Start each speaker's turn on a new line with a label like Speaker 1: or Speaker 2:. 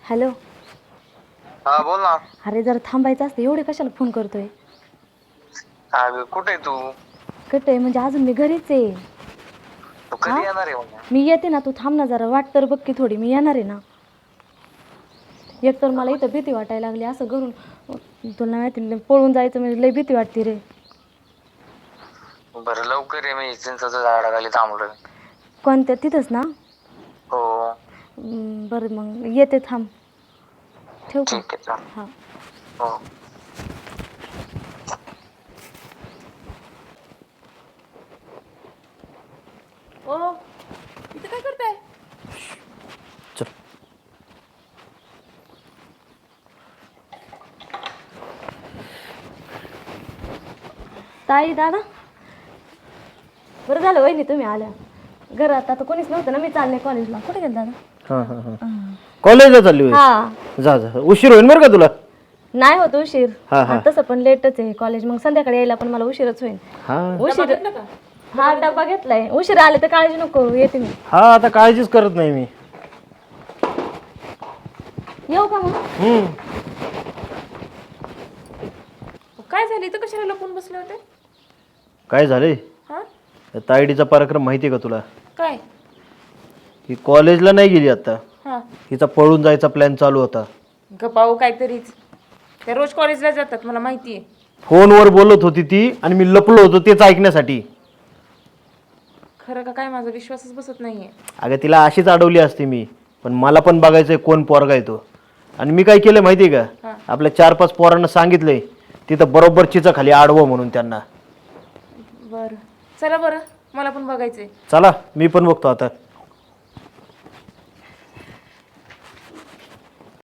Speaker 1: Hello.
Speaker 2: हा बोल ना.
Speaker 1: अरे जरा थांबायचं असतं, एवढे कशाला फोन करतोय?
Speaker 2: अगं कुठे आहे तू?
Speaker 1: कुठे आहे म्हणजे अजून मी घरीच आहे.
Speaker 2: तू
Speaker 1: हा
Speaker 2: कधी येणार आहे मग?
Speaker 1: मी येते ना, तू थांब ना जरा, वाट तर बघ की थोडी, मी येणार आहे ना. एक तर मला इथं भीती वाटायला लागली, असं घरून तुला माहिती पळून जायचं म्हणजे लय भीती वाटते रे.
Speaker 2: बरं लवकर ये, मी चिंचाच्या झाडाखाली थांबलोय.
Speaker 1: कोणत्या तिथंच ना?
Speaker 2: हो.
Speaker 1: बरं मग येते, थांब. ठेवू का?
Speaker 2: ठीक आहे चाल.
Speaker 1: हां.
Speaker 2: हो.
Speaker 3: ओ इथं काय करताय?
Speaker 4: चल.
Speaker 1: ताई दादा, बरं झालं वहिनी तुम्ही आल्या. घरात आता कोणीच नव्हतं ना, मी चालले कॉलेजला. कुठे गेला दादा?
Speaker 4: हां हां हां कॉलेजला चालली होय?
Speaker 1: हा.
Speaker 4: जा जा, उशीर होईल बरं का तुला.
Speaker 1: नाही होत उशीर.
Speaker 4: हा, हा.
Speaker 1: तसं पण लेटच आहे कॉलेज, मग संध्याकाळी यायला पण मला उशीरच होईल.
Speaker 4: हां
Speaker 1: उशीर.
Speaker 3: घेतलं का?
Speaker 1: हा डबा घेतलाय. उशीर आले तर काळजी नको, येते मी.
Speaker 4: हां आता काळजीच करत नाही मी.
Speaker 1: येऊ का मग?
Speaker 3: काय झालं इथं, कशाला लपून बसले होते?
Speaker 4: काय झालंय?
Speaker 3: हा
Speaker 4: त्या तायडीचा पराक्रम माहिती आहे का तुला?
Speaker 3: काय?
Speaker 4: ही कॉलेजला नाही गेली आता.
Speaker 3: हा
Speaker 4: हिचा पळून जायचा प्लॅन चालू होता.
Speaker 3: गपाऊ काहीतरीच. त्या रोज कॉलेजला जातात, मला माहिती आहे.
Speaker 4: फोनवर बोलत होती ती आणि मी लपलो होतो तेच ऐकण्यासाठी.
Speaker 3: खरं का काय, माझा विश्वासच बसत नाहीये.
Speaker 4: अगं तिला अशीच अडवली असते मी, पण मला पण बघायचंय कोण पोरगा आहे तो. आणि मी काय केलं माहिती आहे का? आपल्या 4-5 पोरांना सांगितलंय तिथं बरोबर चिचा खाली आडवं म्हणून त्यांना.
Speaker 3: बरं चला, बरं मला पण बघायचंय.
Speaker 4: चला मी पण बघतो आता.